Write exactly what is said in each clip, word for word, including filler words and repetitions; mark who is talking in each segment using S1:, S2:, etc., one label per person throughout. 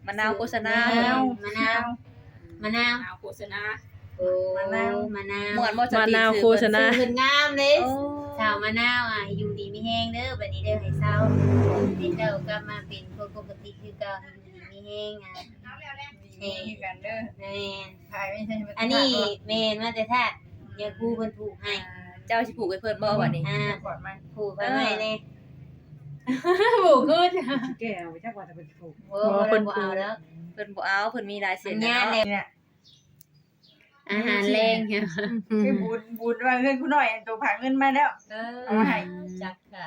S1: มะนาวโฆษณาม
S2: ะนาวมะนาวมะนาว
S3: มะนาวโฆษณา
S2: โอ้มะนาวมะนาว
S1: ม่วนบ่ส
S4: มะ
S1: ติ
S4: นาว
S1: ซื้อ
S4: โฆษณา
S2: เพิ่นงามเด้
S1: โอ้
S2: ชาวมะนาวอ่ะอยู่ดีมีแฮงเด้อบัดนี้เด้อให้เศร้าให้เจ้ากลับมาเป็นคนปกติคือเก่าให้อยู่ดีมีแฮงอ่ะ
S3: นี่กันเด้อ
S2: แม่น
S3: ถ่ายไม่ใช่
S2: อันนี้แม่นมาแต่ท่าอย่าครูเพิ่นผูกให้
S1: เจ้าสิผูกให้เพิ่นบ่บัดนี้
S2: อ่า
S3: ก่อนมา
S2: ผูกไว้ให้แน่ผูกขึ้น
S3: แก้วจักว่าจะเป็นถูก
S2: โอ้เพิ่นบ่เอาแล้ว
S1: เพิ่นบ่เอาเพิ่นมีลายเซ็
S2: สั
S1: น
S2: ญ
S1: แล้
S2: ญาว ณ
S1: เนาะ
S2: แล้ว
S3: เนี่ย
S2: อาหารแรงค่ะ
S3: คือบุญบุญว่าเงินกูหน่อยตัวผ่าเงินมาแล้ว
S1: เอ
S3: เอามาให้
S1: จักค่ะ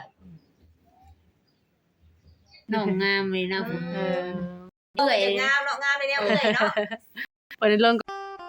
S2: น้องงามเลยเนาะ
S4: เออ
S2: เอ้ย
S1: งามเนาะงามเลยแนวเอ้ยเนาะ
S4: เปิดเรื่องก่อน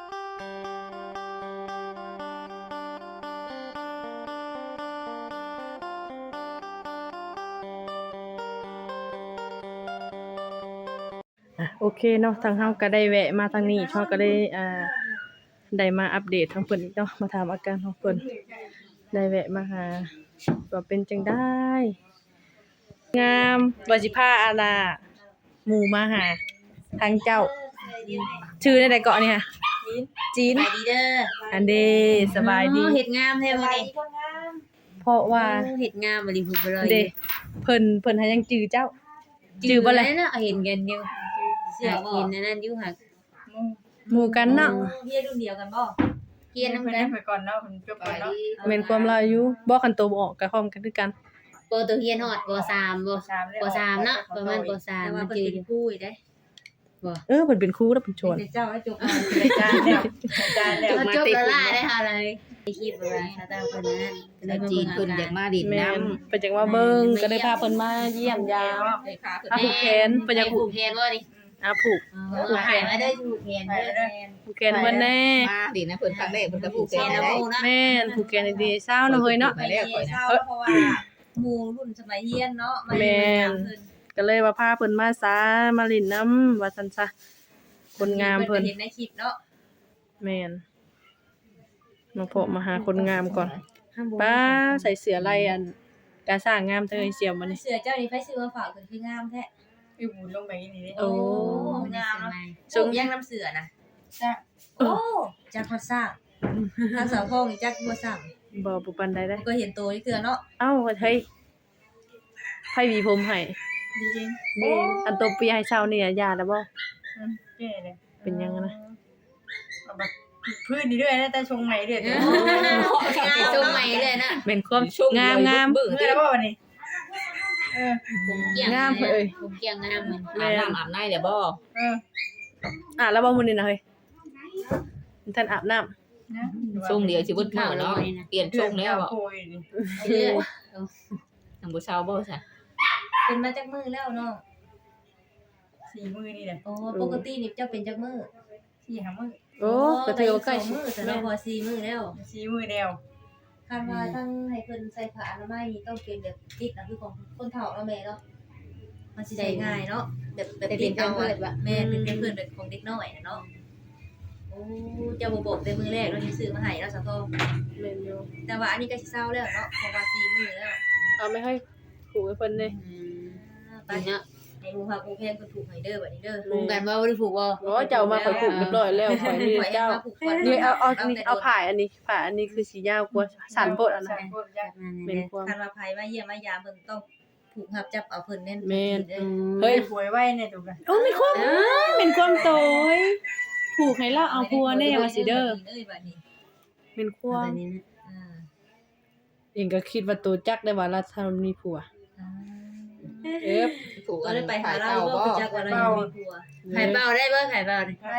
S4: อ่ะโอเคเนาะทางเฮาก็ได้แวะมาทางนี้เฮาก็ได้อ่าได้มาอัปเดตทางเพิ่นอีกเนาะมาถามอาการของเพิ่นได้แวะมาหาว่าเป็นจังได้ งามว่าสิพาอาณาหมู่มาหาทางเจ้า ชื่อได้ใดเกาะนี่ค่ะจีน
S2: สบายดีเด้อ
S4: อันเดสบายดี
S2: เฮ็ดงามแท้มื้อนี้
S4: เพราะว่า
S2: เฮ็ดงามบ่ดีผูกบ่เลย
S4: เดเพิ่นเพิ่นหายังจื้อเจ้า จื้อบ่ล่ะ
S2: เนาะเห็นกันอยู่เสื้อเห็นอันนั้นอยู่หัก
S4: หมู่กันเนาะ
S1: เฮียรุ่นเดียวกันบ่
S2: เกียน
S3: เพิ่
S2: นำ
S3: น
S2: กัน
S3: ไปก่อนเนาะเพิ่นจบก่อนเนาะ
S4: แม่นความลาอยู่บ่คันโตบ่ออกก็พร้อมกันคือกัน
S2: โปรตัวเฮียนฮอดปสามบ่
S3: สามแล้ว
S2: ปสามเนาะประมาณปสาม
S1: แต่ว่า
S2: มัน
S1: เพิ่น
S2: จือ
S1: เป็นผู้อีกเด้
S2: บ่
S4: เออเพิ่นเป็นครูแล้วเพิ่นชวน
S1: เป็นเจ้าแล้วจบ
S3: รายการแล้วรายการแล้ว
S2: แล้วจบแล้วล่ะได้ค่ะเลยคลิปว่าชาตาเพิ่นนั้นก็เลยมา
S5: จี
S2: เบิ่
S5: น
S2: ง
S5: เพิ่นอยากมาดิน
S4: แม่
S5: น้
S4: นเพิ่นจังว่าเบิ่งก็เลยพาเพิ่นมาเยี่ยมยาม
S3: เลยค่ะคือ
S4: อ่ะผูกแขนเพิ่นอยากผู
S2: ผู
S4: ก
S2: กแขนบ่นี่
S4: อ่ะผูก
S2: ผูกแขนมาเด้อผูกแขนเด้อ
S4: ผูกแขนเพิ่นแน่
S5: ำมาดินนะเพิ่นครั้งแรกเพิ่นก็ผูก
S2: แข
S5: แข
S2: น
S5: น
S2: นะ
S5: ได้
S2: โมนะ
S4: แม่นผูกแขนดีๆเศร้าเนาะเฮ้ยเนาะ
S3: ไปแล้วก่อน
S1: เศร้าเพราะว่าหมู่รุ่นสมัยเฮียนเนาะมา
S4: แม่น
S1: เพิ่น
S4: ก็เลยว่าพาเพิ่นมาซามาเลินน้ำว่าซั่นซะคนงามเพิ่น
S1: เห็นในคลิปเนาะ
S4: แม่นมาพบมาหาคนงามก่อนป้าใส่เสื้อลายอันกาสร้างงามเธอเสียมมานี่
S1: เสื้อเจ้านี่ไผซื้อมาฝากเพิ่นคืองามแท้
S3: คือบุญลงไปนี่นี่
S4: โอ้
S1: งามเนาะ
S4: ทรง
S1: ย่างน้ำเสือนะ
S3: จ้ะ
S1: โอ้จักเขาสร้างทางสาวทองนี่จักบ่สร้าง
S4: บ่ปุปันได้ได้
S1: ก็เห็นโตนี่คือเนาะ
S4: เอ้าเฮ้ยไผหวีผมให้
S1: ดีจริง
S4: เด้อันโตเปียให้เช้านี่ยาแล้วบ่
S3: แก่เลย
S4: เป็นยังนะ
S3: เอาแบบพื้นนี่ด้วยนะแต่ชงใหม่ด้วย
S2: งานทรงใหม่เลยนะ
S4: เป็นความงามงาม
S5: เบิ่ง
S3: เมื่อแล้ววันนี้เออ
S2: ผมเกี่ยง
S4: งามเอ้ย
S2: ผมเกี่ยงงามเหมือน
S5: อาบน้ำอาบในเดี๋ยวบ่
S3: เออ
S4: อ่ะแล้วบ่มื้อนี้นะเฮ้ยท่านอาบน้ำ
S3: นะ
S5: ช่วงเดียวสิเบิดมื้อเนาะเปลี่ยนช่วงแล้วบ่
S3: โอ้ยนี่
S2: เลือด
S5: ทางบ่เช้าบ่ซะ
S1: เป็นมาจักมือแล้วเนาะ
S3: สี่มือนี่แหละ
S1: โอ้ปกตินี่เจ้าเป็นจักมือ
S3: สี่ห้ามือ
S4: โอ้ก็ถือว่าใกล้
S1: สองมือแต่เราพอสี่มือแล้ว
S3: สี่มือเดียว
S1: คาดว่าทั้งให้เพิ่นใส่ผ้าอนามัยนี่ต้องเป็นแบบติดนะคือของคนเฒ่าเนาะแม่เนาะมันสิได้ง่ายเนาะแบบแบบ
S2: แต่เป็นการเปิดว่ะ
S1: แม่เป็นเพื่อนแบบของเด็กน้อยน่ะเนาะโอ้เจ้าบ่บอกแต่มือแรกเราสิซื้อมาให้เนาะสาวทอง
S4: แม่นอยู่
S1: แต่ว่าอันนี้ก็สิเศร้าแล้วเนาะเพราะว่าสี่มือแล้ว
S4: เอาไม่ให้ผูกให้เพิ่นเลย
S1: ไป
S2: เนาะ
S1: ให้หมู่พากูแพงเพิ่นถูกให้เด้อบัดนี้เด้อ
S2: ผูกกันว่าบ่ได้ผูกบ่
S4: โอ้เจ้ามาข่อยผูกเรียบร้อยแล้วข่อยนี่เจ้า นี่เอาเอาอันนี้เอาผ่ายอันนี้ผ่ายอันนี้คือสียาวกว่าสันโพดอันนั้น
S3: พวกยักษ์
S4: เป็นความ
S1: คันว่าไผมาเยี่ยมมายามเพิ่นต้องผูกหับจับเอาเพิ่นแน่น
S4: แม่น
S1: เด้อ
S4: เฮ้ย
S3: ป่วยไว้เนี่ยถูกกัน
S4: โอ้มีความเป็นความโตยผูกให้เราเอาพัวแน่ว่าสิเด้อ
S1: เอ้ยบัดนี้
S4: เป็นควา
S2: แบ
S4: ม
S2: บนี้นะ
S1: อ่า
S4: เองก็คิดว่าตัวจักได้ว่าเราทำมีผัว
S1: อ่า
S4: เอ๊ะ
S5: ผูก
S1: ก็
S5: กัน
S1: เลยไปหา
S5: ถ่าย
S1: เรา
S5: เก่า
S1: บ่
S5: บ่
S1: รู้จักว่าเรายังมีผัว
S2: ไข่เป่าได้บ่ไข่เป่านี่
S3: ได้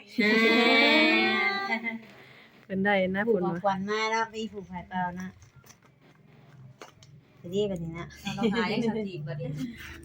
S4: เป็นได้นะ
S2: ผู
S4: คุ
S2: ก
S4: ณ
S2: ของ
S4: ว่า
S2: ขวัญมาแล้วไปผูกไข่เป่านะจะดีแบบนี้นะ
S1: เราหายังสักทีบัดนี้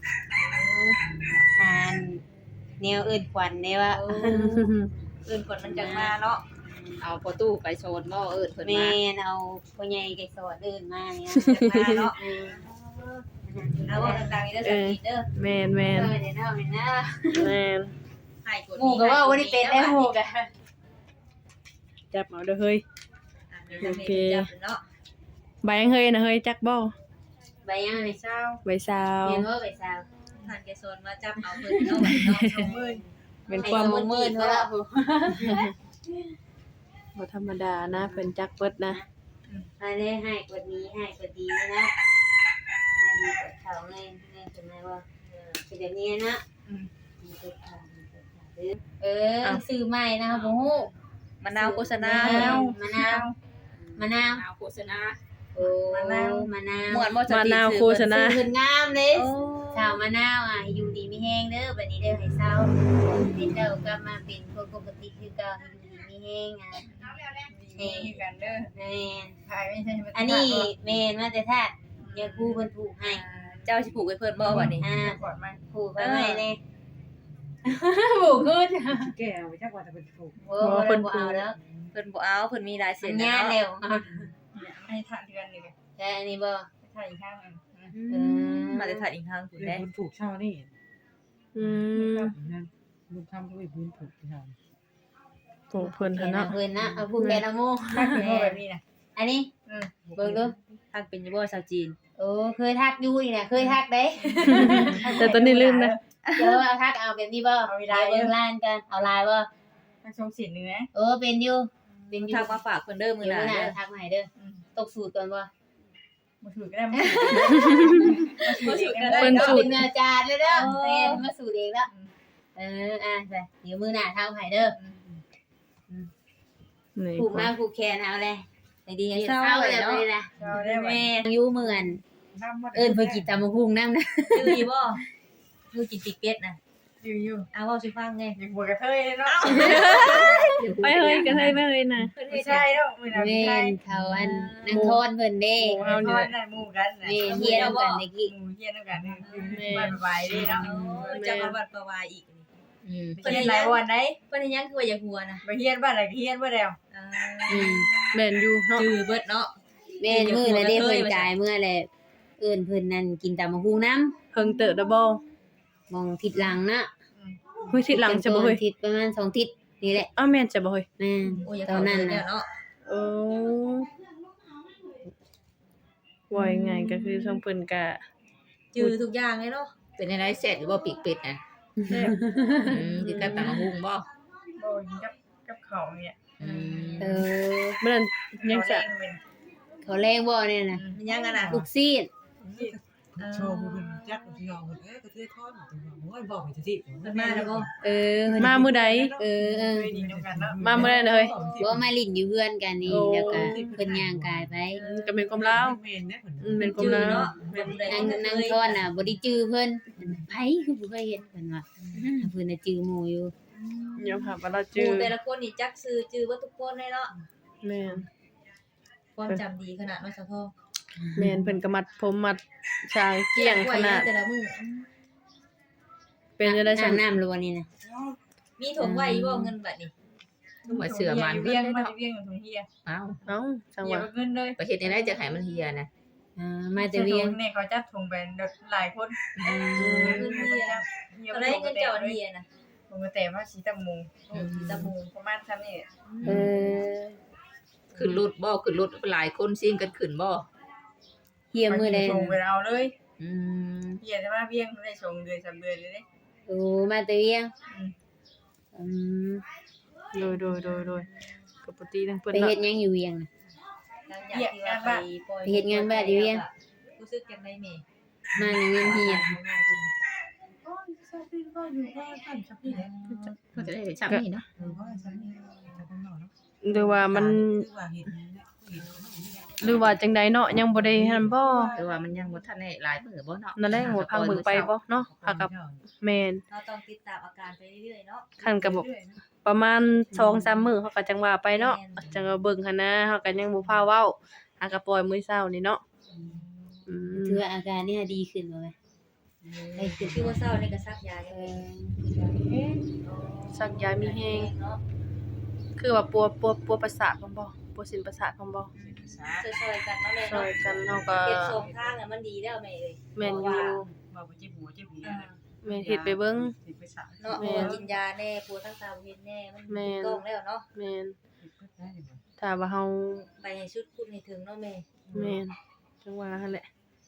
S2: ทานแนวอื่นขวัญได้ว่า
S1: เออเอิ้นคนมันจังมาเนาะ
S5: เอาพอตู้ไปโซนบ่เอิ้นเพิ่น
S2: แม่
S5: มา
S2: นเอาพ่อใหญ่ไก่สอดเดินมาเนี่ย
S1: จังมาเนาะเอาว่าดังๆนี่เด้อสักทีเด้อ
S4: แมนแม
S2: เอน อเดี๋ยวเนาะเดี๋ยวนะ
S4: แมน
S1: ให้กด
S2: หมู่ก็ว่าบ่ได้เป็นได้หมู่ก็
S4: จับเอาเด้อเฮ้ย
S1: โอเคจับเนาะ
S4: ใบยังเฮ้ยนะเฮ้ยจักบ่
S2: ใบยังนี่
S3: เช้า
S4: ใบสาว
S2: เรียนว่าใบสาว
S1: อทานแกโซนมาจับเอาเพิ่นเนาะบัดนี้เนาะ
S3: สองหมื่น
S4: เป็นความ
S2: ให้สองหมื่นเนาะ
S4: บ่ธรรมดานะเพิ่นจักเบิดนะ
S2: ให้ได้ให้กว่านี้ให้กว่าดีนะให้ดีกว่าเขาในในเป็นไงว่าเออเป็นแบบนี้นะ
S3: อืม
S2: เออซื้อใหม่นะครับบ่ฮู้
S1: มะนาวโฆษณาม
S2: ะนาวมะนาวมะนาว
S5: เอาโฆษณา
S2: โอ้มะนาวมะนาว
S1: ม่วนบ่ส
S4: มะ
S1: ติ
S4: นาวโฆษณา
S2: ซื้อเพิ่นงามเด้
S1: โอ้
S2: ชาวมะนาวอ่ะอยู่ดีมีแฮงเด้อบัดนี้เด้อให้เศร้าให้เจ้ากลับมาเป็นคนปกติคือเก่าให้อยู่ดีมีแฮงอ่ะ
S3: นี่กันเด้อ
S2: แม่น
S3: ขายไม่ใช่
S2: อันนี้แม่นมาแต่ทาสยาคูเพิ่นผูกให้
S1: เจ้าสิผูกไว้เพิ่นบ่บัดนี้
S2: อ่า
S3: ก่อนมา
S2: ผูกไว้ไว้แน่ผูกขึ้น
S3: แก้วจักว่าจะเป็นถูก
S2: โอ้บ่ได้บ่เอาแล้ว
S1: เพิ่นบ่เอาเพิ่นมีหลาย
S2: สั
S1: เส้
S2: ญ
S1: น
S2: ญา
S1: เนาะ
S2: แล้ว
S3: ให้ทานเดือนนี่
S2: แต่อันนี้บ่
S3: ทานอีกข้างนึง
S2: เออ
S1: มาแต่ถ่ายอีกทางคุณ
S6: เป็น
S1: แด้
S6: บุญผูกเช่านี่
S4: อืม
S6: นั่นลุงทำก็เป็นบุญผูกเช่า
S4: โอ้เพิ่น
S2: เห็
S4: หั่น
S2: น
S4: เนาะ
S2: เพิ่นนะเอาผูกแม่ละโม
S3: ถ้าเป็นแบบนี้นะ
S2: อันนี้
S3: อืม
S2: เบิ่งดู
S1: ทางเป็นอยู่บ่ชาวจีน
S2: โอ้เคยทักอยู่นี่น่ะเคยทักเด้
S4: แต่ตอนนี้ลืมนะ
S2: เดี๋ยวเอาทักเอาแบบนี้บ่เอาลายเบิ่งล้านกันเอาลายบ่
S3: มันทรงสินเนื้อ
S2: เออเป็นอยู่เป็นอยู่
S1: ทางมาฝากเพิ่นเด้อมื้อ
S2: เดี๋ยว
S1: หน้า
S2: มื้อหน้า
S1: เด้อ
S2: ทักมาให้เด้อตกสูตรก่อนบ่
S3: มาถือก็ได้มา
S1: บ่สิกันได้
S4: เพิ่น
S2: เอา
S4: สูต
S2: เป็
S4: ร
S2: นอาจารย์เลยเด้อแม่นมาสูตรเองแล้วเอออ่ะไปเดี๋ยวมื้อหน้าทักมาให้เด้อ
S4: นี่
S2: ผูกมาผูกแขนเอาเลย
S1: ให้ดีให้
S2: เฮ็ด
S1: เศร้า
S2: เศร้า
S1: เล
S2: เลย ย
S1: เนาะ
S2: เลยนะ
S3: เราได้ไหม
S2: แม่อยู่เหมือนเอิ้นเพิ่นกินตำบักหุ่งนำนะ
S1: ชื่ออีบ่คือกินติกเป็ดน่ะ
S3: อยู่อยู่
S1: เอาเว้าสิฟังแน่
S3: อย่างหัวกระเทยเนาะ
S4: ไปเฮ้ยกันเฮ้ยไปเฮ้ยนะ
S1: เพิ่น
S3: ไม่
S1: เฮ็ด
S3: ใช่เนาะมือเรา
S2: แม่
S3: ไม่ใช่
S2: นเขาอันนางทอนเพิ่นเด้
S3: หมูเอาเนี่ยหมูกันนะ
S2: แม่เฮียนำกันตะกี้
S3: หมูเฮียนน้ำกันนี่บ้านใบได้เนาะ
S1: จะมาบัดประวายอีกนี่
S5: อืม
S3: เฮียนหลายวันไหน
S1: เพิ่นเฮ็ดหยังคือว่าอย่าหัวนะ
S3: ไปเฮียนบ้านไหนเฮียนบ้านแล้ว
S1: อ่า
S2: อืม
S4: แม่นอยู่เนาะ
S1: จื้อเบิดเนาะ
S2: แม่นมื้อน่ะเด้เพิ่นจ่ายมื้อแหละเอิ้นเพิ่นนั่นกินตำบักหุ่งนำ
S4: เพิ่งเติบดะบ่
S2: มองทิศหลังนะ
S4: เฮ้ยทิศหลังจะบ่เฮ้ย
S2: ทิศประมาณสองทิศนี่แหละ
S4: อ้าวแม่นจะบ่เฮ้ย
S2: แม่น
S1: โอ้ยอย่า
S2: ตอ
S1: เข้าน
S2: นั้น
S1: แล้
S2: น่ะ
S1: วเนาะ
S4: โอ้ว่ายังไงก็คือช่องเพิ่นก็
S1: จื้อทุกอย่างเลยเนาะ
S5: เป็นอะไรเสร็จหรือว่าปีกเป็ดน่ะอืมคือการตำบักหุ่งบ่
S3: โอ้ยกับกับเขาเนี่ย
S5: อืม
S2: เออ
S4: เมื่อนั้นยังจะ
S2: เขาแรงบ่เนี่ยน่ะ
S1: มันยังกันน่ะ
S2: ลูกซีด
S6: โชว์บุญจักที่ยองเอ้ยกระเทยทอดโอ้ยบอกไปสิ
S1: เพิ่นมาแล้วบ่
S2: เออเพิ่น
S4: มามื้อใด
S2: เออเออ
S3: เคยดีน้ำกันเนาะ
S4: มามื้อใดนะเฮ้ย
S2: บ่มาลิ้นอยู่เพื่อนกันนี่
S4: โอ้
S2: แล้วก็เพิ่นย่างกายไป
S4: ก็เป็นความลาว
S6: เมนเนี่ยเหมือน
S4: อืมเป็นความ
S1: จื้อ
S4: ลาว
S1: เนาะ
S2: นางนางทอนน่ะบ่ได้จื้อเพิ่นไผคือบ่เคยเห็นเพิ่นว่าเพิ่นน่ะจื้อหมู่อยู่
S4: ยอมรับว่าเรา
S1: ห
S4: จื้อ
S1: มู่แต่ละคนนี่จักซื้อจื้อเบ่ทุกคนเลยเนาะ
S4: แม่น
S1: ความจำดีขนาดเนาะสะพ่อ
S4: แม่นเพิ่นก็มัดผมมัดชางเกี้ยงขนาด
S1: แต่ละมื้อ
S4: เป็นจังได๋ซั่น
S2: น้ำน้ำล้วนนี่น่ะ
S1: มีถุงไว้บ่เงินบัดนี้
S5: ต้องมาเสือมัน
S3: เบี้ยงมาเบี้ยงของเฮีย
S5: เอ้า
S4: เอ้าจังห
S3: เฮียว
S4: ะ
S3: เงินเลย
S5: ประเฮ็ดจังได๋จะให้มันเฮียนะ
S2: อ่ามาแต่เวียง
S3: เนี่ยเขาจับถุงแบนหลายคน
S1: เงินเฮียเท่าไรเงินเจ้าอันเฮียน่ะ
S3: ผมก็แต่ว่าสีตะมู
S1: โอ้สีตะมู
S3: ประมาณซ้ำนี่
S2: เออ
S5: ขึ้นรถบ่ขึ้นรถหลายคนซิ่งกันขึ้นบ่
S2: เฮียมื้อใด
S3: ส่งไปเอาเลย
S5: อืม
S3: เฮียจะมาเบี้ยงได้ส่งเดือนสามเดือนเลยเนี่ย
S2: โอ้มาแต่เวียงอืม
S4: โดยโดยโดยโดยก็ปกติทั้งเพิ่น
S2: ไป
S4: เนาะ
S2: เฮ็ดหยังอยู่เวียงน่ะ
S1: หลังจากที่ว่าไปปล่อย
S2: ไปเฮ็ดงานบ้านอยู่เวียง
S1: รู้สึกจังได๋แม่
S2: มาในเงินเฮีย
S6: ก็ชอบพี่ก็อยู่ก็ท่านชอบพี่เนี่ย
S5: เพิ่นจะได้ชักนี่เนาะ
S6: หรือว่าฉันนี่จะต้องนอนเนาะ
S4: หรือว่ามัน
S6: คือว่าเห็นเนี่ยเห็น
S4: หรือว่าจังใดเนาะยังบ่ได้หั่นบ่
S5: แต่ว่ามันยังบ่ทันได้หลายมื้อบ่เนาะ
S4: นั่นแหละหัวพังเบิ่งไปบ่เนาะพักกับแม่น
S1: เราต้องติดตามอาการไปเรื่อยๆเนาะ
S4: คันก็บ่ประมาณ สองสาม มื้อเขาก็จังว่าไปเนาะจังว่าเบิ่งหั่นนะเฮาก็ยังบ่พาเว้าหาก็ปล่อยมื้อเช้านี่เนาะอืม
S2: ถือว่าอาการเนี่ยดีขึ้นบ่แม่ได้ขึ้น
S1: คือว่าเศร้านี่ก็ซักยา
S2: เอ
S1: เนี่ย
S2: อ
S4: สักยามีแฮง
S1: เนาะ
S4: คือว่าปัวปัวปัวประสาทพร้อมบ่ปัวสินประสาทพร้อมบ่
S1: ช่วยๆกันเนาะแม่
S4: ช่ว
S1: เนาะ
S4: ยกันเฮาก็
S1: เฮ็ดส่งทางน่ะมันดีแล้วแม่เอ้ย
S4: แม่นอยู่
S6: บอกว่าเจ็บหัวเจ็บหัว
S1: อ่า
S4: แม่นเฮ็ดไปเบิ่ง
S6: เจ็บไปสา
S1: เนาะเพราะว่ากินยาแน่ปวดทั้งตาเฮ็ดแน่มัน
S4: แม่น
S1: ต้องแล้วเนาะ
S4: แม่น
S6: เจ็บเพื่อได้เลย
S4: ถ้าว่าเฮา
S1: ไปให้ชุดคุณให้ถึงเนาะแม่
S4: แม่นจังว่าหั่นแหละเฮ็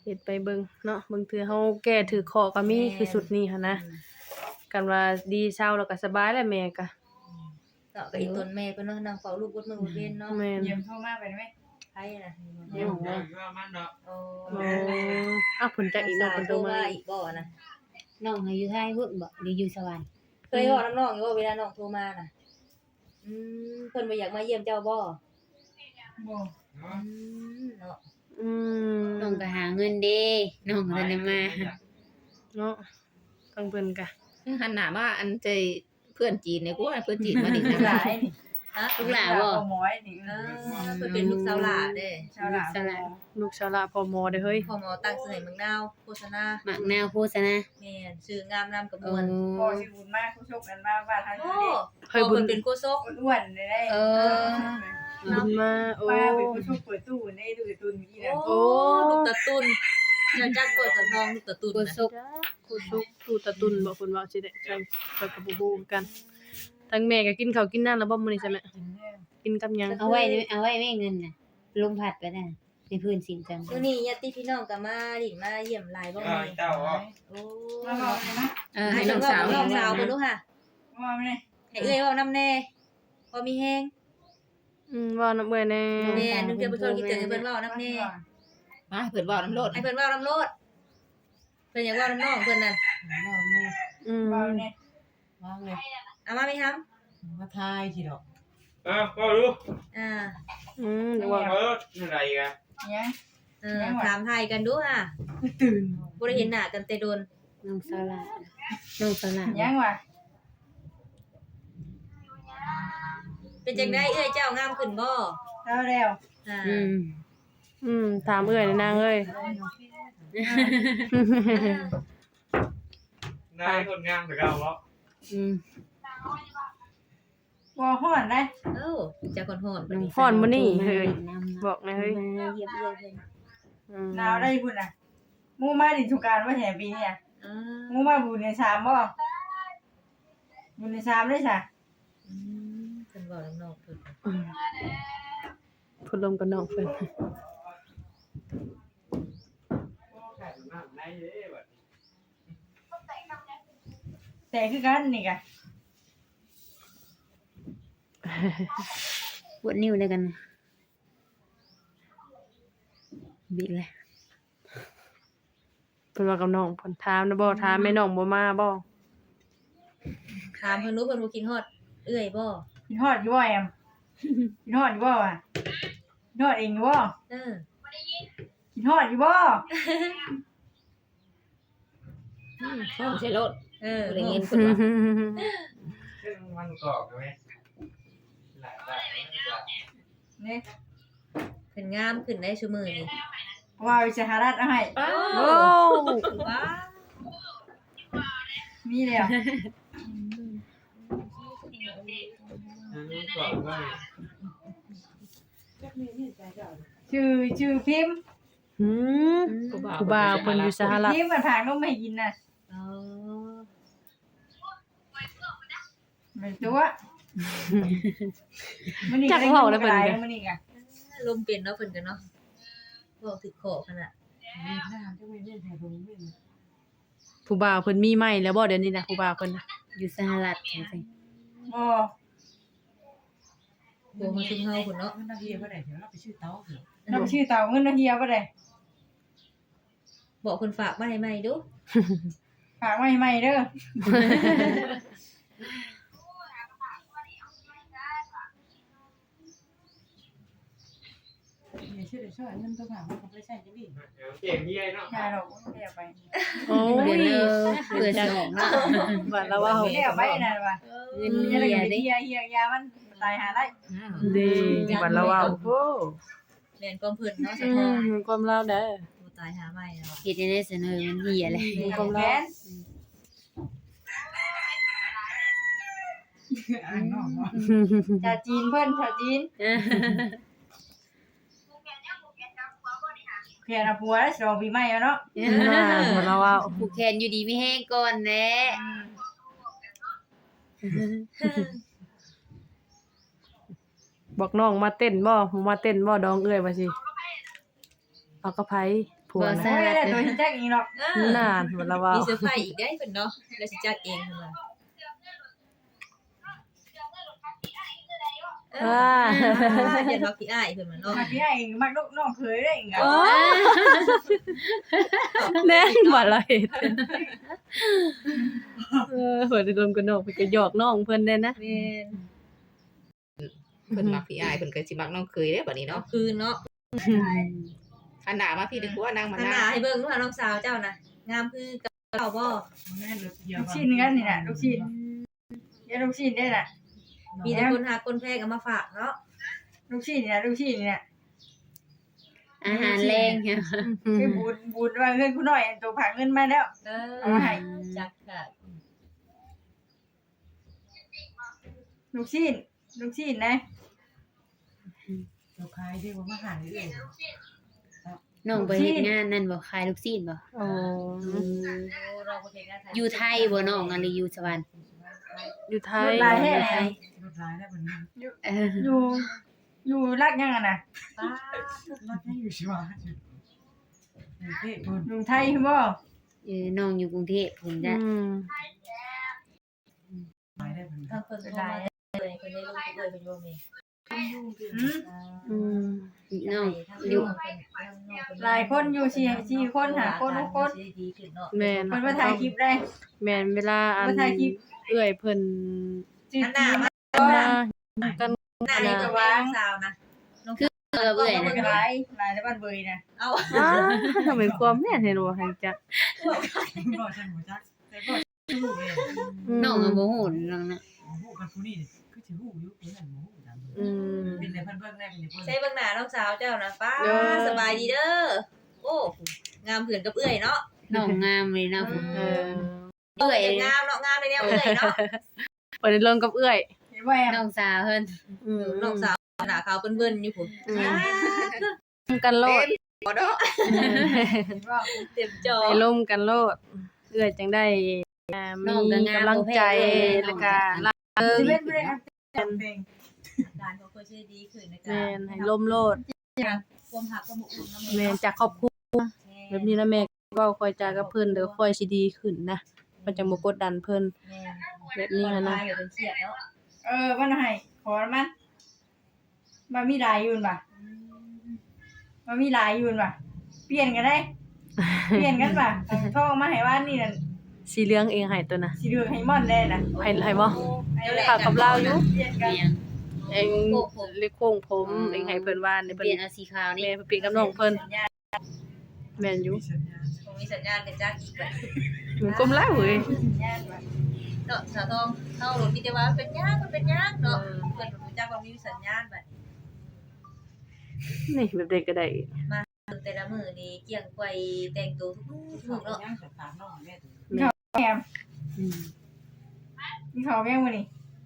S4: ฮ็ดไปเบิ่งเนาะบางเทื่อเฮาแก้ถือข้อก็มีคือสุดนี้หั่นนะกันว่าดีเช้าแล้วก็สบายแล้วแม่ก็
S1: เนาะก็อีตนแม่เพิ่นเนาะนั่งเฝ้าลูกบดมื้อบดเว้นเนาะ
S4: แม่น
S3: เยี่ยมโทรมาไปได้ไหม
S1: ไผน่ะ
S6: เดี๋ยวเดี๋ยวว่ามันเนาะ
S1: โอ้
S4: โอ้อ้าวเพิ่นจักอีกเนาะเพิ่นโทรมา
S1: อีกบ่นะ
S2: น้องให้อยู่ไทยพุ่นบ่หรืออยู่สวรรค์
S1: เคยเว้าน้ำน้องอยู่ว่าเวลาน้องโทรมาน่ะอืมเพิ่นบ่อยากมาเยี่ยมเจ้าบ่
S3: บ่
S1: อืมเนาะ
S4: อืม
S2: น้องก็หาเงินเด้น้องก็ได้มา
S4: เนาะฟังเพิ่นก็
S5: หันหน้ามาอันใจเพื่อนจีนเนี่ยกูว่าเพื่อนจีนมาดิ
S3: หลายนี่
S1: ฮะ
S2: ลูกหลานบ่
S3: หมอยนี่
S1: เออเพิ่นเป็นลูกสาวหลาเด้
S3: ชาวหลาน
S2: สละ
S4: ลูกชาวละพอมอเด้อเฮ้ย
S1: พ่อหมอตั้งชื่อให้เมืองนาวโฆษณา
S2: หมักนาวโฆษณา
S1: แม่นชื่องามนำกระบ
S2: โอ้
S1: วน
S3: พ่อชื่อบุญมากผู้ชกกันมาว่าทาง
S1: โอ้
S3: นี้
S1: เฮ้ยบุญเป็นโกโซก
S3: อ้วนๆได้ได้
S2: เออ
S4: บุญมาโอ้
S3: ป้าเป็นผู้ชกเปิดตู้ได้ดูการ์ตูนเมื่อกี้นะ
S1: โอ้ลูกตะตุนเจ้าจักบ่ตะทองลูกตะตุน
S2: โก
S1: น่ะ
S2: ซก
S4: กูสุกกูตะตุนบ่เพิ่นว่าสิได้ใช่ข้อยก็บ่ฮู้กันทั้งแม่ก็กินข้าวกินน้ำแล้วบ่มื้อนี้ใช่ไหมกินกับหยัง
S2: เอาไว้เอาไว้แม่เงินน่ะลมพัดไปน่ะในพื้นสินจัง
S1: มื้อนี้ญาติพี่น้องก็มาดินมาเยี่ยมหลายบ่แม่
S6: เจ้าอ๋อ
S1: โอ้
S3: มาบอกเลยนะ
S5: เออให้น้องสาว
S1: น้องสาวเพิ่นดูค่ะ
S3: ว่าไม่ได้
S1: ให้เอ้ยเว้านำแน่พอมีแฮง
S4: อืมเว้านำเอ้ยแน่
S1: แม่นึงเดือนบ่ทนคิดถึงให้เพิ่นเว้านำแน่
S5: มาเพิ่นเว้าน้ำโลด
S1: ให้เพิ่นเว้านำโลดเพิ่นอยากเว้านำน้องเพิ่นนั่น
S4: อืม
S3: ว่าเนี่ย
S6: ว่าไง
S1: เอามาไหมครับ
S6: มาทายสิดอก
S7: เออก็รู้
S1: อ่า
S4: อืมเดี๋ยวว่า
S7: เอออะไรกัน
S3: เนี่ย
S1: เออถามไทยกันดูค่ะ
S3: ตื่น
S1: บ่ได้เห็นหน้ากันแต่โดน
S2: น้องสละน้องสละ
S3: ยังวะ
S1: เป็นจังได๋เอ้ยเจ้างามขึ้นบ่
S3: เท่าแล้ว
S1: อ่า
S2: อืม
S4: อืมถามเอ้ยนางเอ้ย
S7: นายคนงามแต่เราเหรอ
S2: อืม
S3: ว่าห่อนได้
S1: เอ้าจะคนโหดบัดนี้
S4: ฮ้อนบ่นี่เฮ้ย
S2: น้ำ
S4: บอกนะเฮ้ย
S2: มาเยียบเยียบเพิ่น
S4: อืม
S3: หนาวได้พุ่นน่ะมูมาดิสุการว่าแห่ปีเนี่ย
S1: อ่า
S3: มูมาบุญในสามบ่บุญในสามได้จ้ะ
S1: อืมเพิ่นเว้านำน้องเพิ่น
S4: อืมพูดลมกับน้องเพิ่น
S3: แต่คือกันนี่กะ
S2: ปวดนิ้วเลยกันนะบิดเลย
S4: เพิ่นว่ากับน้องเพิ่นถามนะบ่ถามแม่น้องบ่มาบ่
S1: ถามเพิ่นรู้เพิ่นบ่กินฮอดเอื้อยบ่
S3: กินฮอดอยู่บ่แอมกินฮอดอยู่บ่อ่ะกินฮอดเองอยู่บ่
S1: เออ
S3: กินฮอดอยู่บ่
S5: ฟ้องใช่โลด
S1: เออ
S5: บ่ได้ยินเพิ่นว่า
S7: ซึ่งมันกรอบใช่ไหมหลายแบบ
S3: นี่
S1: เพิ่นงามขึ้นได้ซุมื้อนี้
S3: ว่าวิสหรัฐเอาให้
S4: โอ้
S1: ว้า
S3: มีแล้ว
S7: มันกรอบมาก
S3: ชื่อชื่อพิมพ์
S4: หืมผู้บ่าวเพิ่นอยู่สหรัฐ
S3: พิมพ์มันผางนมให้กินน่ะ
S1: อ๋อ
S3: เหมือนตัวมันนี่
S4: จักเว้าแล้วเพิ่น
S3: ก็
S4: ก็
S3: มันนี่ก็
S1: ลมเป็นเนาะเพิ่นก็เนาะเว้าถึกขอขนาด
S6: หน้าจะไม่เล่นไทยลงเล่น
S4: ผู้บ่าวเพิ่นมีใหม่แล้วบ่เดี๋ยวนี้นะผู้บ่าวเพิ่นน่ะ
S2: อยู่สหรัฐจังซี่
S3: บ่
S1: บ่มาถึงเฮาพุ่นเนาะ
S6: มันนาทีเมื่อไหร่เดี๋ยวเราไปชื่อเต้าเหรอ
S3: นำชื่อเต่าเงินนาเฮียบ่ได้
S1: บอกเพิ่นฝากมาให้ใหม่ดู
S3: ฝากไว้ใหม่เด้อ
S6: เดี๋ยวชื่อเดี๋ยวช่วยเงินตัวผ่านมันก็ไม่ใช่จะบิน
S7: เก่งยี่ไงเนาะ
S3: ยาดอกบ่ได้เอาไป
S4: โอ้
S2: เดือย นเด้อเดือนสองละ
S4: ว่าแล้วว่า
S3: บ่ได้เอาไปนั่นว่ะ
S2: เงิน
S3: อย่า
S2: เหีย
S3: ได้
S2: เด้
S3: เฮียเฮียยามันตายหาได้
S4: ดีว่าแล้วว่าโอ้
S1: แม่นความเพิ่นเนาะสะ
S4: อื
S1: ท้อน
S4: มความลาวเด้อ
S1: บ่ตายหาใหม่แล้วอะ
S2: เฮ็ดได้เสนอมันเหียเลย
S3: ของแกน
S6: อ่านนอกเนาะ
S3: ชาวจีนเพิ่นชาวจีนเขียนเอาผัวแล้วสิเอาปีใหม่แล้วเนาะ
S4: น่าว่าแล้วว่า
S2: ผูกแขนอยู่ดีไม่แห้งก่อนแหละ
S4: บอกน้องมาเต้นบ่มาเต้นบ่ดองเอ้ยว่าสิเอากระไผผัว
S2: บ่
S4: นะ
S2: ทรา
S3: โอ้ย
S2: บ
S3: ได้ตัวที่แจ็คอีกเนาะ
S1: เออน
S4: านหมดแล้วว่า
S1: มีเซอร์ไพรส์อีกได้เพิ่นเนาะแล้วสิจัดเองเพิ่นว่าเออ
S4: ว้า
S1: เห็นว่าพี่อ้ายเพิ่นว่าเนาะ
S3: มาที่ให้มักลูกน้องเคยได้อีกอ่ะ
S4: โอ้แน่นบ่ละเฮ็ดเออเพิ่นรวมกันนอกเพิ่นก็หยอกน้องเพิ่นได้นะ
S1: แม่น
S5: เพิ่นมักพี่อ้ายเพิ่นก็สิมักน้องเคยเด้บัดนี้
S1: เนาะ
S5: เนาะ
S1: คืนเนาะ
S5: อันหน้ามาพี่ดึกว่านางมา
S1: ทางห
S5: นา
S1: น้าให้เบิ่งดูหาน้องสาวเจ้าน่ะงามคือกับเจ้าบ่
S6: แม่เลยเดียว
S3: ลูกชิ้นกันนี่น่ะลูกชิ้นเดี๋ยวลูกชิ้นได้น่ะ
S1: มีแต่คนหาคนแพงเอามาฝากเนาะ
S3: ลูกชิ้นนี่น่ะลูกชิ้นนี่น่ะ
S2: อาหารแรงเนี่ย
S3: คือบูดบูดว่าเงินกูหน่อยอันตัวผากเงินมาแล้ว
S1: เออ
S3: เอามาให้
S1: จักค่ะ
S3: ลูกชิ้นลูกชิ้นนะ
S6: เราขายได้ว่ามาหาได้เอง
S2: น้องไปเฮ็ดงานนั่นบ่ขายลูกชิ้นบ่
S4: โอ้
S1: โอ้เราบ่เฮ็ดงานไทย
S2: อยู่ไทยบ่น้องอันนี้อยู่สวรรค์
S4: อยู่ไท
S3: ร
S4: ย
S3: ถลายแท้ไหน
S6: รถร้ายได้วันนี้
S2: เออ
S3: อยู่อยู่รักยังอ่ะน่ะ
S1: ป้าร
S6: ถให้อยู่ชิวะอยู่เท่คน
S3: อยู่ไทยคือบ่
S2: เออน้องอยู่กรุงเทพพุ่นจ้ะ
S4: อืม
S6: ขายได้วันนี้
S1: ทางเพิ่นโทรมาเลยเพิ่นได้ลงทุนเลยเพิ่นโยมนี่
S3: หืม
S4: อืม
S2: น้อง
S1: อ
S2: อยู่
S3: หลายคนอยู่สี่สี่คนหาคนหกคน
S1: ดีขึ้นเนาะ
S4: แม่น
S3: เพิ่นมาถ่ายคลิปได้
S4: แม่นเวลาอัน
S3: มาถ่ายคลิป
S4: เอื้อยเพิ่น
S3: จืด
S1: อันหน้ามา
S4: มากัน
S1: หน้านี่ก็วางสาวนะ
S2: เออเบื่อย
S3: เพิ่น
S2: นะ
S3: ก็หลายหลายในบ้านเบยน่ะ
S1: เอา
S4: อ้าทำไมความแม่นให้รู้ให้จัก
S6: รอฉันหัวจักแต่ก็หูเลย
S2: น้องก็บ่ฮู้น้องน่ะ
S6: หูกันผู้นี้คือถือหูยุคนี้นั่นหูดัง
S4: อืม
S6: เป็นในเพื่อนเพื่อนแรกเป็นในเพื่อน
S1: ใช้เบิ่งหน้าน้องสาวเจ้านะป้า
S4: เด้อ
S1: สบายดีเด้อโอ้งามเผื่อนกับเอื้อยเนาะ
S2: น้องงามเลยเนาะ
S4: เออ
S2: เบื่อย
S1: งามเนาะงามในแนวเอื้อยเนาะ
S4: เปิดลงกับเอื้อย
S3: เห็นบ่แอม
S2: น้องสาวเพิ่น
S4: อืม
S1: น้องสาวหน้าขาวเปิ้นๆอยู่พุ่น
S4: อืมกันโลด
S1: บ่เนาะ
S3: เห็นบ่
S1: เต็มจอ
S4: ไปล่มกันโลด เอื้อยจังได้อ่ามีกำลังใจแล้วก็รักเอิง
S3: สิเล่นบ่ได้อัพเพลง
S1: การของเพิ่นสิดีขึ้นนะ
S4: แม่
S1: จ๊ะ
S4: นให้ล่มโลด
S1: ความหักความอบอุ่นเนาะ
S4: แม่นจากครอบครัวแบบนี้นะแม่เว้าคอยจากับเพิ่นเด้อค่อยสิดีขึ้นนะมันจะบ่กดดันเพิ่น
S1: แม่
S4: แบบนี้หันนะ
S1: เดี๋ยวเป็นเครียดเนาะ
S3: เออมันให้ขอมันมันมีหลายอยู่น่ะมันมีหลายอยู่น่ะเปลี่ยนกันได้ เปลี่ยนกันป่ะท่องมาให้ว่านี่นั่น
S4: สีเหลืองเองให้ตัวน่ะ
S3: สีเหลืองให้ม่อนได้น่ะ
S4: ให้ให้บ่
S3: ให้
S4: ฝากกับเราอยู่
S3: เปลี่ยนกัน
S2: เปลี่ยน
S4: เองเล็กโค้งผมเองให้เพิ่นว่าใน
S2: เป
S4: เพิ่น
S2: ลี่ยนเอาสีขาวนี่
S4: แม่เพิ่นเปลี่ยนกับน้องเพิ่นแม่นอยู่
S6: สัญญาณ
S1: ผมมีสัญญาณกันจ้าอีกแบบ
S4: มันก้มแล้วเว้ย
S3: ย่านว่ะ
S1: เนาะสาวทองเฮาหลุดมีแต่ว่าเป็นยากมันเป็นยากเนาะเพิ่นรู้จักว่ามีสัญญาณแบบ
S4: นี่แบบเด็กก็ได้
S1: แต่ละมื้อนี่เกี่ยงไกวแต่งตัวทุกมื้อทุกเนาะ
S6: ย่างสตาร์น้องแม่ตัว
S3: แอม
S4: อืม
S3: มีข้าวแม่งมื้อนี้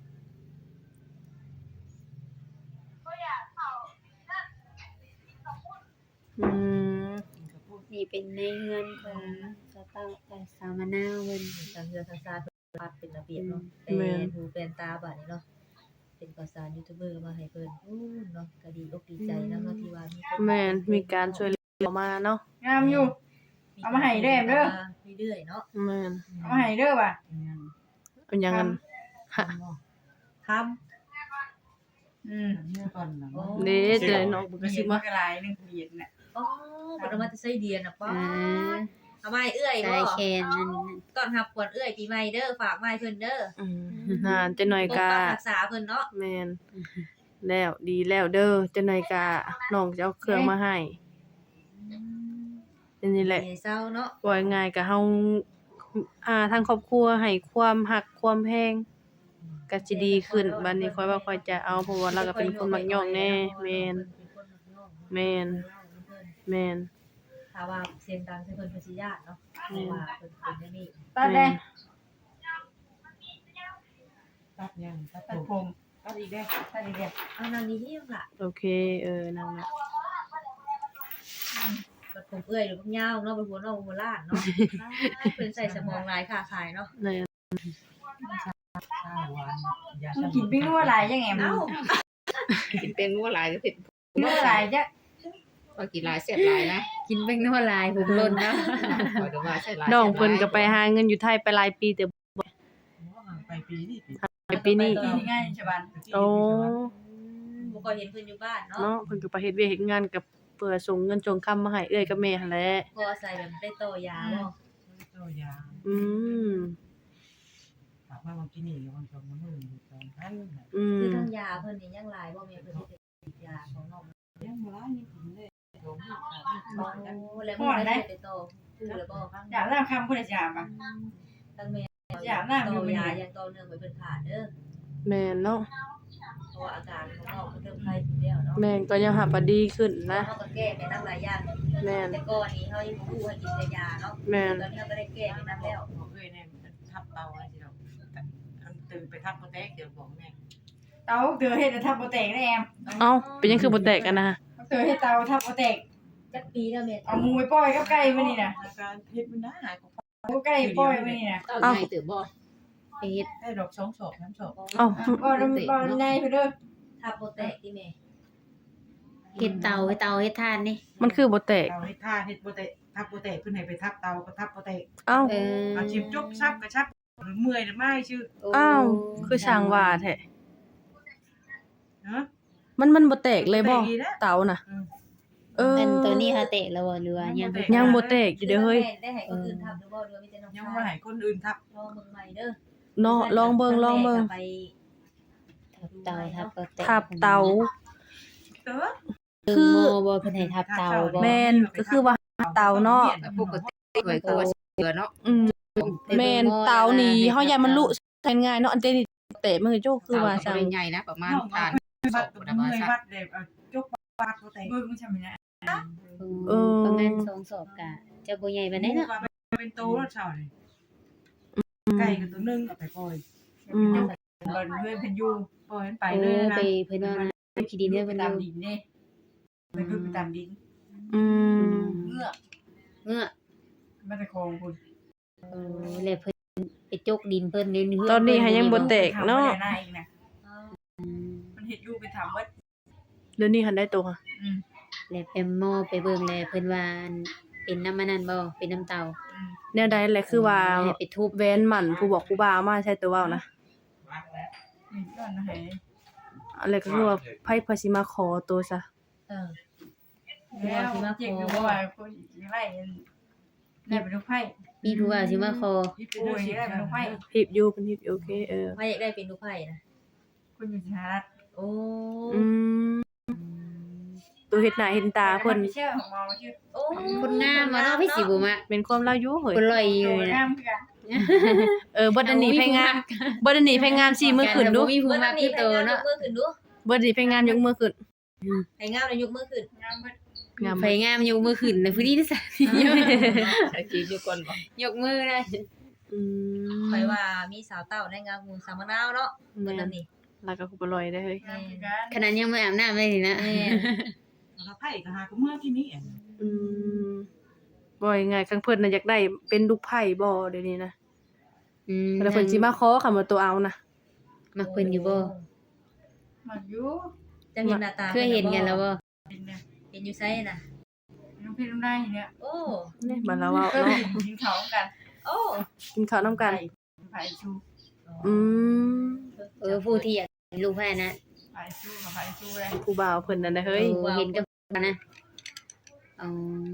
S4: อืม
S2: นี่เป็นในเงินของสาวเต้าแต่สาวมะนาวเพิ่น
S1: ทางเรือทางซาเพิ่นปัดเป็นระเบียบเนาะแต่หูเป็นตาบัดนี้เนาะเป็นข่าวสารยูทูบเบอร์มาให้เพิ่นอู้เนาะก็ดีอกดีใจนำเนาะที่ว่ามีคน
S4: แม่นมีการช่วยเหลือมาเนาะ
S3: งามอยู่ เอามาให้เด้อเด้อ
S1: เรื่อยๆเนาะ
S4: แม่น
S3: เอามาให้เด้อว่ะ
S4: เป็นหยังกันฮะ
S1: ทำ
S3: อืม
S6: เมื่อก่อนนะ
S4: เด้เจอน้องบุก
S3: มี
S4: สิ
S3: มา
S4: มา
S3: กหลายหนึงเหรียญน่ะ
S1: อ๋อบ่ได้มาแต่ไส้เดียนน่ะป้า
S2: อ่า
S1: เอาไม้เอื้อย
S2: สา
S1: บ่
S2: ยแคนนั่น
S1: ก่อนรับขวัญเอื้อยปีใหม่เด้อฝากไม้เพิ่นเด้อ
S4: อืมนานจะหน่อย
S1: ปก
S4: กา
S1: ปักรักษาเพิ่นเนาะ
S4: แม่นแล้วดีแล้วเด้อจะหน่อยกาน้องจะเอาเครื่องมาให้เป็นนี่แหละ
S1: เศร้าเนาะ
S4: ว่าง่ายก็เฮาอ่าทางครอบครัวให้ความรักความแพงก็สิดีขึ้นบัดนี้ค่อยว่าค่อยจะเอาเพราะว่าเราก็เป็นคนมักย่องแน่แม่นแม่นแม่น
S1: ถ้าว่าเสียงดังใส่เพิ่นเพิ่นสิญาติเนาะเพราะว่าเพิ่นเป็นอย่างนี้
S3: ตัดได้
S6: ตัดยังตัด
S3: ตัด
S6: ผ
S3: ผม ม
S6: ตัดอีกได้
S3: ตัดอีกแล้ว
S1: เอานางนี้เฮียงล่ะ
S4: โอเคเออนั่นน่ะ
S1: บัดผมเอื้อยหรือผมยาวเนาะเป็นหัวน้องหัวล้านเนาะเพิ่นใส่สมองหลายค่าขายเนาะ
S4: แม่น
S6: ข้าวหวานยา
S3: มันกินปิ้งนัวหลายจังแอม
S1: เอ้า
S5: กินเป็นงัวหลายก็เผ็ด
S3: นัวหลายจัง
S5: ว่ากินหลายเสียบหลายนะ
S2: กินแป้งนัวลายผมล่นเนาะ
S5: ขอดูว่าใช่หลาย
S4: น้องเพิ่นก็ไปหาเงินอยู่ไทยไปหลายปีแต่
S6: ไปปีนี้ปี
S4: ไปปีนี้
S3: ปีนี้ง่ายใช่ป่ะ
S4: โอ้
S1: บ่ก็เห็นเพิ่นอยู่บ้านเนาะ
S4: เนาะเพิ่นก็ไปเฮ็ดเวียกเฮ็ดงานกับเพื่อส่งเงินส่งคำมาให้เอื้อยกับแม่หั่นแหละ
S1: พอใส่แบบได้ต่อยาบ่
S6: ตัวยา
S4: อืม
S6: ถามว่ามันกินนี่มันก็มันมือสองพัน
S4: อื
S1: คือ
S4: ม
S1: ทั้งยาเพิ่นนี่ยังหลายบ่แม่เพิ่นสิเป็นยาของน้อง
S6: ยังบ่ร้ายนี่ผมได้สองพันสามพัน
S1: โอ้แล้วมันได้ไปต่อคือแล้วบ่
S3: อยากได้คำพูดจะป่ะ
S1: ทั้งแม่
S3: อยากได้
S1: ต่
S3: อยู่
S1: อ
S3: ไม่
S1: ยา
S3: ได้
S1: ยังต่อเนื่องไปเพิ่นขาดเด้อ
S4: แม่นเนาะ
S1: เพราะว่าอาการของน้องเพิ่นเริ่มไข้ขึ้นแล้วเนาะ
S4: แม่นก็ยังหาบ่ดีขึ้นนะ
S1: เฮาก็แก้ไปนำหลายอย่าง
S4: แม่น
S1: แต่ก่อนนี้เฮายังบ่รู้ให้กินแต่ยาเนาะ
S4: แม่น
S1: ตอนนี้เฮาก็ได้แก้ไปนำแล้ว
S6: บอกเอ้ยเนี่ยทับเตาอะไรสิเราตื่นไปทับโปรเทคเดี๋ยวบอกแม่
S3: เตาเตือเฮ็ดทับโปรเตกได้แอม
S4: เอ้าเป็นยังคือบ่แตกกันนะ
S3: เตือเฮ็ดเตาทับโปรเตก
S1: จักปีแล้วแม่
S3: เอามูไปปล่อยกับไก่มานี่น่ะ
S6: อาการเพชรมันน่าหายของ
S3: เอาไก่ปล่อยมานี่น่ะ
S5: เต้าใหญ่ตื่นบ่
S2: ไปเฮ็ด
S6: ได้ดอกสองศอกน้ำศอก
S4: เอ้า
S3: บ่ดำบ่ในเพิ่นเด้อ
S1: ทับโปรแตกที่แม่
S2: เฮ็ดเตาให้เตาเฮ็ดทานนี่
S4: มันคือบ่แตก
S6: เตาให้ท่าเฮ็ดโปรเทคทับโปรเทคเพิ่นให้ไปทับเตาก็ทับโปรเทค
S4: เอ้า
S2: เออ
S6: อาชิมจกชับกระชับเมื่อยหรือไม่ชื่อ
S4: อ้าวคือช่างว่าแท้
S6: เนาะ
S4: มันมันบ่แตกเลยบ่
S6: บ่แตกอีกแล้ว
S4: เตาน่ะ เออ
S2: อันตัวนี้ฮะเตะแล้วบ่หรือว่ายัง
S4: ยังบ่แตกอยู่เด้อเฮ้ย
S1: ได้ให้คนอื่นทับหรือบ่หรือว่ามีแต่น้อง
S6: ยังว่าให้คนอื่นทับ
S1: ลองเบิ่งใหม่เด้อ
S4: เนาะลองเบิ่งลองเบิ่ง
S1: ไป
S2: ทับเตาทับก็เตะ
S4: ทับเตา
S6: เด้อ
S4: คือ
S2: โมบ่เพิ่นให้ทับเตาบ่
S4: แม่นก็คือว่าเตาเนาะ
S5: ปกติไว้คือว่าเสือเนาะ
S4: อืมแม่นเตานี่เฮาอย่ามันลุใช้ง่ายเนาะอันเตนี่เตะมือโจกคือว่า
S5: เตา
S4: จัง
S5: ก็ใหญ่นะประมาณทานศ
S6: วัด
S5: พ
S6: กับ
S5: นะว่า
S6: เมื่อย
S5: ซั
S6: วั
S5: ก
S6: ดเด็กจกวัดโปรเทค
S3: เบิ่งมันใช่มั้ยนะ
S2: เออประมาณสองศอกกะจะบ่ใหญ่ปานใดเนาะ
S6: เป็นโตแล้วเช้านี่ไก่กับตัวนึงเอาไปปล่อย
S4: อืม
S3: บ่เพื่อนเพิ่นอยู่
S6: ปล่อยมันไป
S2: เอ
S6: เลย
S2: อ
S6: นะ
S2: ไปเพิ่นว่านะขี้ดินเด้อ
S3: ไป
S2: เพิ่น
S3: ตาม
S2: อยู่
S3: ดินนี่ไปคือไปตามดิน
S4: อืม
S3: เงือก
S2: เงือก
S3: มันจะคองคุณ
S2: เออแล้วเพิ่นไปจกดินเพิ่นเดี๋ยวนี้
S4: ตอนนี้หายังบ่แตกเนาะ
S3: หน้าอีกนะมันเฮ็ดอยู่ไปทำเบิด
S4: เดี๋ยวนี้หันได้ตัวค่ะ
S3: อืม
S2: แล้วไปหม้อไปเบิ่งแล้วเพิ่นว่าอันเป็นน้ำมันนั่นบ่เป็นน้ำเตา
S3: อืม
S4: แนวใดแหละคือว่า
S2: ให้ไปทุบ
S4: แว้นหมั่นผู้บอกผู้บ่าวมาใช่ตัวเว้านะ
S3: นี่ก่อนนะให้
S4: อะไรก็คือว่าไผพาสิมาขอตัวซะ
S1: เออ
S3: แล้วเจ็บอยู่ว่าคนไล่ได้เป็นลูกไผ่
S2: มีผู้ว่าสิมาขอ
S3: โอ้ยได้เป็นลูกไผ่
S4: หิบอยู่เพิ่นหิบอยู่โอเคเออ
S1: ไพ่อยากได้เป็นลูกไผ่นะ
S3: คนอยู่สหรัฐ
S1: โอ้
S4: อืมตัวเฮ็ดหน้าเฮ็ดตาเพิ่น
S3: ไม่เชื่อของมอชื่อ
S1: โอ้
S2: คนงามว่าเนาะพี่สิบ่มัก
S4: เป็นความลาอยู่เฮ้ย
S2: คนลอยอ
S3: โต
S2: ยู่
S3: งา
S2: นะ
S3: มคือกัน
S4: เออบ่ได้หนีไปงานบ่ได้หนีไปงานสี่มื้อขึ้นดู
S2: บ่มีผู้มักคือโตเนาะ
S1: ยกมือขึ้นดู
S4: บ่ได้ไปงานยกมือขึ้น
S1: ให้งามเลยยกมือขึ้น
S3: งามเบิด
S4: งาม
S2: ไผงามยกมือขึ้นนะผู้นี้ที่สั
S5: ใช้จีอยู่ก่อนบ่
S2: ยกมือได้
S4: อืม
S1: ไปว่ามีสาวเต้าในงามงูสามะนาวเนาะเพิ่น
S4: แม่
S1: นั่
S4: น
S1: นนี่
S4: แล้วก็คุบลอยได้เฮ้ย
S3: งามคือกัน
S2: ขนาดยังไม่อาบน้ำเลยนี่นะ
S1: แม่
S6: แล้วไผ่ก็หาก็เมื่อที่นี่
S4: อืมบ่ยังไงคังเพิ่นน่ะอยากได้เป็นลูกไผ่บ่เดี๋ยวนี้นะ
S2: อืม
S4: แล้วเพิ่นสิมาขอคำว่าตัวเอานะ
S2: มักเพิ่นอยู่บ่
S3: มันอยู่
S1: จะเห็นหน้าตา
S2: เคยเห็นกันแล้วบ่
S3: เป็นเนี่ย
S1: เห็นอยู่ไสน่ะ
S3: น้องพี่น้องได้เนี่ย
S1: โอ้
S4: นี่บัดเราเว้า
S3: ก็
S4: เนาะ
S3: กินเขากัน
S1: โอ้
S4: กินข้าวนำกัน
S3: ไผ่ชู
S4: อืม
S2: เออผู้ที่อยากเป็นลูกแพ้นะ
S3: ไผ่ชูกับไผ่ชูเลย
S4: ผู้บ่าวเพิ่นนั่นน่ะเฮ้ย
S2: เออเห็นกับนะอ๋อ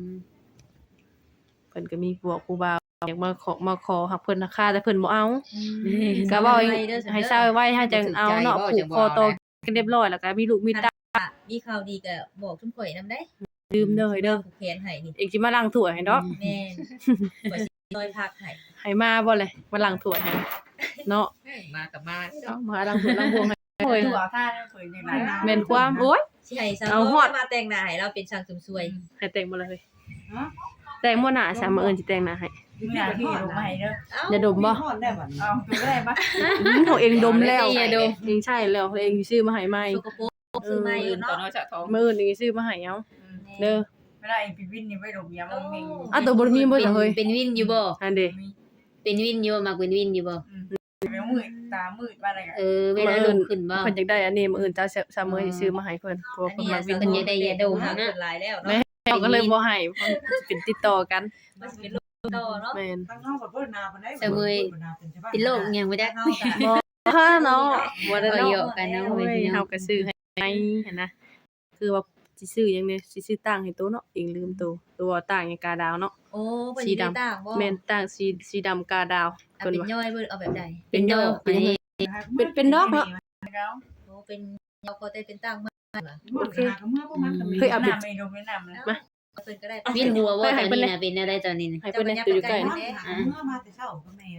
S4: เพิ่นก็มีพวกผู้บ่าวอยากมาขอมาขอหักเพิ่นราคาแต่เพิ่นบ่เอาก็เว้าให้เศร้าไว้ให้จังเอาเนาะผูกคอโตกันเรียบร้อยแล้วก็มีลูกมีเต้า
S1: มีข่าวดีก็บอกทุกข่อยนำได้
S4: ลืมเด้อเฮ้ยเด้อ
S1: ผูกแขนให้นี่
S4: เองสิมาล้างถ้วยให้ดอก
S1: แม่นข่อยสิซอยพักให้
S4: ให้มาบ่เลยมาล้างถ้วยให้เนาะ
S5: มากับมา
S4: เอามาล้างถ้วยล้างบวงให้โอ้ย
S3: ตัวท่าเนี่ยเผยอย่างไรนะ
S4: แม่นความโอ้ย
S1: สิให้สาว
S4: เอาฮอด
S1: มาแต่งหน้าให้เราเป็นช่างเสริมสวย
S4: ให้แต่งบ่เลยเฮ้ยแต่งบ่หน้าซะมื้ออื่นสิแต่งหน้าให้
S3: มือหนาที่ลงมาให้เด้อ
S1: เอ้า
S4: อย่าดมบ่
S6: ทอดได้บ่
S3: เอาตัวได้ปะ
S4: อืมของเองดมแล้ว
S2: อย่าดม
S4: เองใช่แล้วเองสิซื้อมาให้ใหม่
S1: สกปรกซื้อมาอยู่
S5: ตอ
S1: เนาะ
S5: นน้อยจะท้อง
S4: มื้ออื่นเองสิซื้อมาให้เอาเด้อ
S3: ไม่ได้ปีวินนี่ไม่ดมยามันมี
S4: อ่ะตัวบ่มีบ่
S2: เป็น
S4: ซะเฮ้ย
S2: เป็นวินอยู่บ่
S4: อันเด้
S2: เป็นวินอยู่บ่มักเป็นวินอยู่บ่
S3: เป็นมืดตามืดมาอะไรกัน
S2: เออเวลาลุกขึ้นบ่
S4: เพิ่นอยากได้อันนี้มื้ออื่นเจ้าซะมื้อสิซื้อมาให้เพิ่นเพราะว่าเพิ่นมักวิน
S2: เพิ่นอยากได้ยาดม
S1: หา
S2: นะ
S1: คนหลายแล้ว
S4: แม่
S1: เนาะ
S4: เขาก็เลยบ่ให้เพราะมันเป็นติดต่อกัน
S1: มันสิเป็นโรคต่อเนาะ
S4: แม่น
S6: ทางน้องแบบเพิ่นนาเพิ่นได้
S2: เสมอเป็นโรคอิหยังบ่จัก
S1: เฮาก็
S4: บ่เนาะบ่ได้
S2: ก็
S4: เนาะ
S2: เยอะกันเนาะ
S4: โอ้
S2: เว้ย
S4: ย
S2: พี่น้
S4: เฮา
S2: อง
S4: ก็ซื้อให้เห็นนะคือว่าสิซื้อหยังเนี่ยสิซื้อต่างให้โตเนาะเองลืมโตตัวต่างหยังกาดาวเนาะ
S1: โอ้เพิ่น
S4: สี
S1: สิได้
S4: ดำ
S1: ต่างบ่
S4: แม่นต่างสีสีดำกาดาว
S1: อ่ะ
S4: เพิ่น
S1: เป็น
S4: ว่า
S1: ย่อยเบิ่นเอาแบบใด
S2: เป็นโรคอันนี้
S4: เป็นเป็นดอกเนาะ
S1: โอ้เป็นยาวก็ได้เป็นต่างมา
S6: โอเคเมื่อพวกมันก็มี
S4: เคยเอาไป
S3: น้ำไม่ดูไม่น้ำนะ
S1: เพิ่นก็ได้
S2: วินหัวว่าตอนนี้น่ะเป็นอะไรตอนนี้น่ะ
S4: ให้เพิ่นได้ตัวอยู่ใกล้
S6: เมื่
S4: นะ
S6: อมาแต่เช้าก็แม่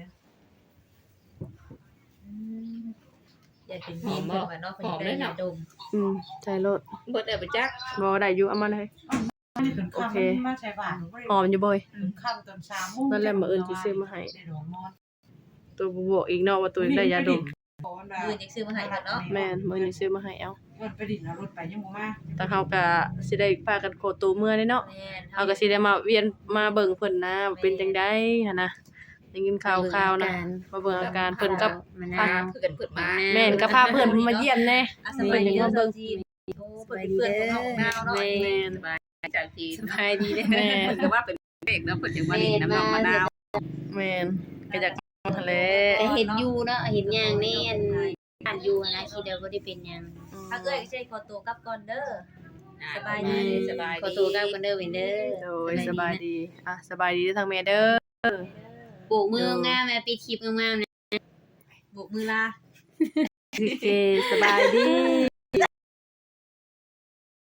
S1: อืมอยากเป็นมีนเพิ่นว่าเนาะเพิ่นสิได้ยาดม
S4: อืมใช่รถ
S5: เบิดได้บ่จัก
S4: บ่ได้อยู่เอามาเลย
S6: โอเคมาใช้บ้าน
S4: หอมอยู่บ่อย
S6: ค่ำตอนสามโมง
S4: นั่นแหละมื้ออื่นสิซื้อมาให้
S6: ได้ดอกมอด
S4: ตัวบ่บอกอีกเนาะว่าตัวได้ยาดม
S1: มื้อนี้ซื้อมาให้เพิ่นเนาะ
S4: แม่นมื้อนี้ซื้อมาให้เอา
S6: เพิ่นไปดินเอารถไปยังบ่มา
S4: แต่เฮาก็สิได้พากันโคตัวเมื่อเด้เนาะ
S1: แม่น
S4: เฮาก็สิได้มาเวียนมาเบิ่งเพิ่นนะว่าเป็นจังได๋หั่นนะได้ยินข่าวๆนะมาเบิ่งอาการเพิ่นกับ
S2: มัน
S5: พา
S2: น่ะ
S5: เพื่อนเพิ่นมา
S4: แม่นก็พาเพิ่นมาเยี่ยมแน่
S1: อ่ะสบายดีเด้อเจ้าจีนโอ้เพิ่นเป็นเพื่อนของน้องนาวเนาะ
S4: แม่น
S5: จากที่
S2: สบายดีเด้อ
S4: แม่น
S5: เพิ่นก็ว่าเป็นเด็กแล้วเพิ่นจึงมาดินน้ำนองมะนาว
S4: แม่นก็อยากทะเล
S2: แต่เห็นอยู่เนาะเห็นอย่างนี้อันอ่านอยู่นะคิดว่าบ่ได้เป็นหยัง
S1: ถ้าเอ้ยก็สิขอตัวกลับก่อนเด้อ สบายดี
S5: สบาย
S2: ขอ
S5: ดี
S2: ตัวกลับกันเด้อเว้นเด้อ
S4: โดยสบายดีอ่ะสบายดีทางแม่เด้อ
S2: ปลูกมืองามแม่ปิดคลิปงามๆนะ
S1: บุกมือลา
S4: โอเคสบายดี